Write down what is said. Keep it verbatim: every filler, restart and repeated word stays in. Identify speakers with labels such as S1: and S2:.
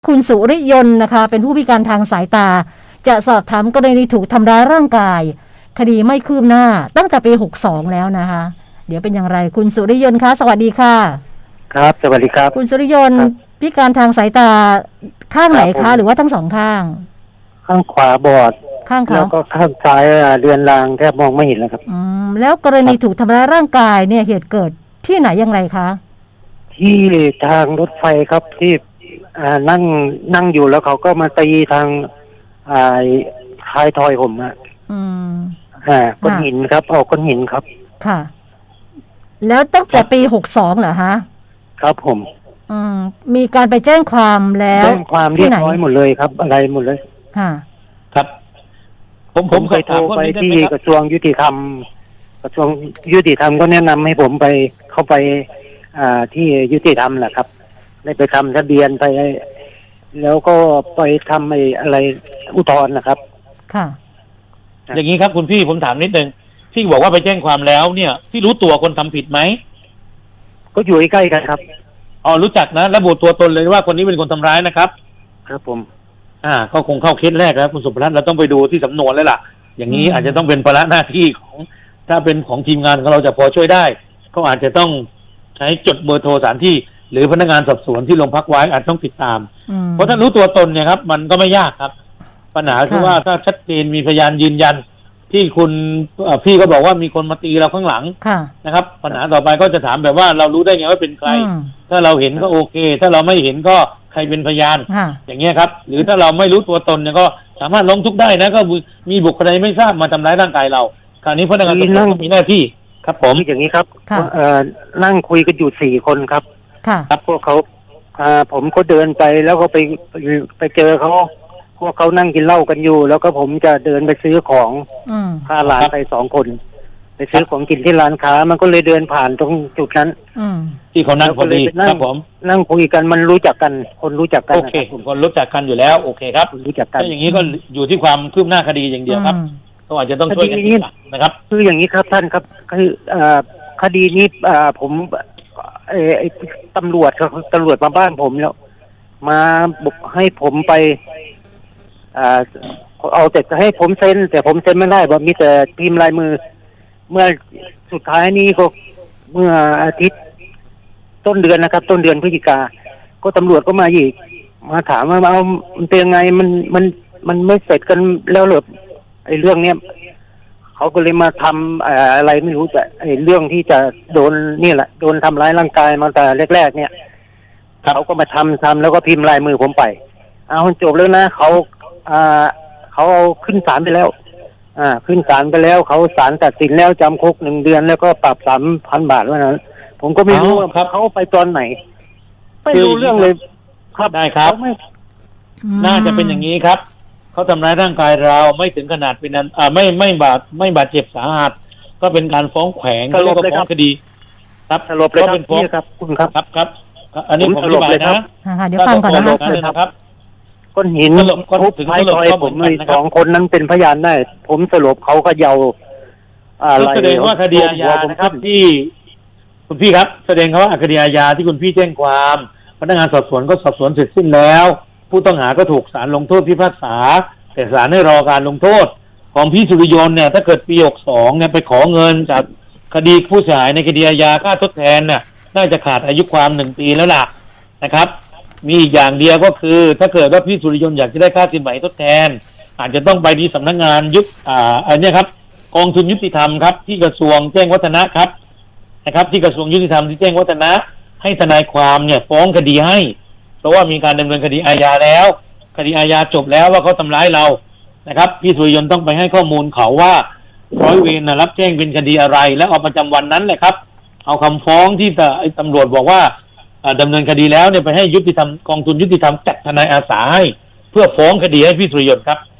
S1: คุณสุริยนต์นะคะเป็นผู้พิการทางสายตาจะสอบถามกรณีถูกทำร้ายร่างกายคดีไม่คืบหน้าตั้งแต่ปีหกสิบสองแล้วนะคะเดี๋ยวเป็นอย่างไรคุณสุริยนต์คะสวัสดีค่ะ
S2: ครับสวัสดีครับ
S1: คุณสุริยนต์พิการทางสายตาข้างไหนคะหรือว่าทั้งสองข้าง
S2: ข้างขวาบอด
S1: ข้างขวา
S2: แล้วก็ข้างซ้ายเรือนรางแทบมองไม่เห็นแล้วครับ
S1: อืมแล้วกรณีถูกทำร้ายร่างกายเนี่ยเหตุเกิดที่ไหนอย่างไรคะ
S2: ที่ทางรถไฟครับที่อ่านั่งนั่งอยู่แล้วเขาก็มาตีทางอ่าท้ายทอยผมอ่ะ
S1: อืม
S2: อ่าก้อนหินครับเอาก้อนหินครับ
S1: ค่ะแล้วตั้งแต่ปีหกสิบสองเหรอฮะ
S2: ครับผม
S1: อืมมีการไปแจ้งความแล้ว
S2: แจ้งความเรียบร้อยหมดเลยครับอะไรหมดเลย
S1: ค่ะ
S3: ครับผม
S2: ผมไปโทรไปที่กระทรวงยุติธรรมกระทรวงยุติธรรมก็แนะนำให้ผมไปเข้าไปอ่าที่ยุติธรรมแหละครับได้ไปทำทะเบียนไปแล้วก็ไปทำไอ้อะไรอุทธรณ์นะครับ
S1: ค่ะ
S3: อย่างนี้ครับคุณพี่ผมถามนิดนึงที่บอกว่าไปแจ้งความแล้วเนี่ยที่รู้ตัวคนทำผิดไหม
S2: ก็อยู่ใกล้กันครับ
S3: อ๋อรู้จักนะระบุตัวตนเลยว่าคนนี้เป็นคนทำร้ายนะครับ
S2: ครับผม
S3: อ่าก็คงเข้าเคสแรกแล้วคุณสุภรัตน์เราต้องไปดูที่สำนวนแล้วล่ะอย่างนี้อาจจะต้องเป็นภาระหน้าที่ของถ้าเป็นของทีมงานของเราจะพอช่วยได้ก็อาจจะต้องใช้จดเบอร์โทรสถานที่หรือพนักงานสอบสวนที่โรงพักไว้อาจต้องติดตามเพราะถ้ารู้ตัวตนเนี่ยครับมันก็ไม่ยากครับปัญหาคือว่าถ้าชัดเจนมีพยานยืนยันที่คุณพี่ก็บอกว่ามีคนมาตีเราข้างหลังนะครับปัญหาต่อไปก็จะถามแบบว่าเรารู้ได้ไงว่าเป็นใครถ้าเราเห็นก็โอเคถ้าเราไม่เห็นก็ใครเป็นพยานอย่างเงี้ยครับหรือถ้าเราไม่รู้ตัวตนเนี่ยก็สามารถร้องทุกข์ได้นะก็มีบุคคลใดไม่ทราบมาทำร้ายร่างกายเราคราวนี้พนักงานสอบสวนมีหน้าที่ครับผม
S2: อย่างนี้ครับนั่งคุยกันอยู่สี่คนครับครับพวกเขาผมก็เดินไปแล้วก็ไปไปเจอเขาพวกเขานั่งกินเหล้ากันอยู่แล้วก็ผมจะเดินไปซื้อของพาหลานไปสองคนไปซื้อของกินที่ร้านค้ามันก็เลยเดินผ่านตรงจุดนั้น
S3: ที่เขานั่งพอดีครับผม
S2: นั่งคุยกันมันรู้จักกันคนรู้จักกัน
S3: โอเคคนรู้จักกันอยู่แล้วโอเคครับ
S2: รู้จักกัน
S3: ถ้าอย่างนี้ก็อยู่ที่ความคืบหน้าคดีอย่างเดียวครับก็อาจจะต้องช่วยกันนะครับ
S2: คืออย่างนี้ครับท่านครับคือคดีนี้ผมไอ้ตำรวจเขาตำรวจมาบ้านผมแล้วมาบอกให้ผมไปอ่าเอาแต่ให้ผมเซ็นแต่ผมเซ็นไม่ได้เพราะมีแต่พิมพ์ลายมือเมื่อสุดท้ายนี้ก็เมื่ออาทิตย์ต้นเดือนนะครับต้นเดือนพฤศจิกาก็ตำรวจก็มาอีกมาถามว่าเอามันเป็นยังไงมันมันมันไม่เสร็จกันแล้วเหรอไอ้เรื่องเนี้ยเขาก็เลยมาทำอะไรไม่รู้แต่ไอ้เรื่องที่จะโดนนี่แหละโดนทำร้ายร่างกายมาแต่แรกๆเนี่ยเขาก็มาทำทำแล้วก็พิมพ์ลายมือผมไปเอาจบแล้วนะเขาอ่าเขาเอาขึ้นศาลไปแล้วอ่าขึ้นศาลไปแล้วเขาศาลตัดสินแล้วจำคุกหนึ่งเดือนแล้วก็ปรับสามพันบาทว่านั้นผมก็ไม่รู้ว่าเขาไปตอนไหนไม่รู้เรื่องเลย
S3: ครับได้ครับน่าจะเป็นอย่างนี้ครับเขาทำร้ายร่างกายเราไม่ถึงขนาดเป็นนั้นอ่าไม่ไม่บาดไม่บาดเจ็บสาหัสก็เป็นการฟ้องแขวงแล้วก็ฟ้องคดีครับ
S2: สรุปเลยครับคุณครับ
S3: ครับครับอันนี้ผมอธิบายนะ
S1: เดี๋ยวฟังก่อน
S2: นะครับก้อนหินทุบท้ายทอยผมเลยสองคนนั้นเป็นพยานได้ผมสรุปเขาก็เยา
S3: อะไรแสดงว่าคดีอาญานะครับที่คุณพี่ครับแสดงว่าคดีอาญาที่คุณพี่แจ้งความพนักงานสอบสวนก็สอบสวนเสร็จสิ้นแล้วผู้ต้องหาก็ถูกศาลลงโทษพิพากษาแต่ศาลให้รอการลงโทษของพี่สุริยนต์เนี่ยถ้าเกิดปีหกสิบสองเนี่ยไปขอเงินจากคดีผู้เสียหายในคดีอาญาค่าทดแทนน่ะน่าจะขาดอายุความหนึ่งปีแล้วล่ะนะครับมีอีกอย่างเดียวก็คือถ้าเกิดว่าพี่สุริยนต์อยากจะได้ค่าสินไหมทดแทนอาจจะต้องไปที่สำนักงานยุติอ่าอันนี้ครับกองทุนยุติธรรมครับที่กระทรวงแจ้งวัฒนะครับนะครับที่กระทรวงยุติธรรมที่แจ้งวัฒนะให้ทนายความเนี่ยฟ้องคดีให้เพราะว่ามีการดำเนินคดีอาญาแล้วคดีอาญาจบแล้วว่าเขาทำร้ายเรานะครับพี่สุริยนต์ต้องไปให้ข้อมูลเขาว่าร้อยเวรนะรับแจ้งเป็นคดีอะไรแล้วเอาประจำวันนั้นแหละครับเอาคำฟ้องที่ตำรวจบอกว่าดำเนินคดีแล้วเนี่ยไปให้ยุติธรรมกองทุนยุติธรรมจัดทนายอาสาให้เพื่อฟ้องคดีให้พี่สุริยนต์ครับ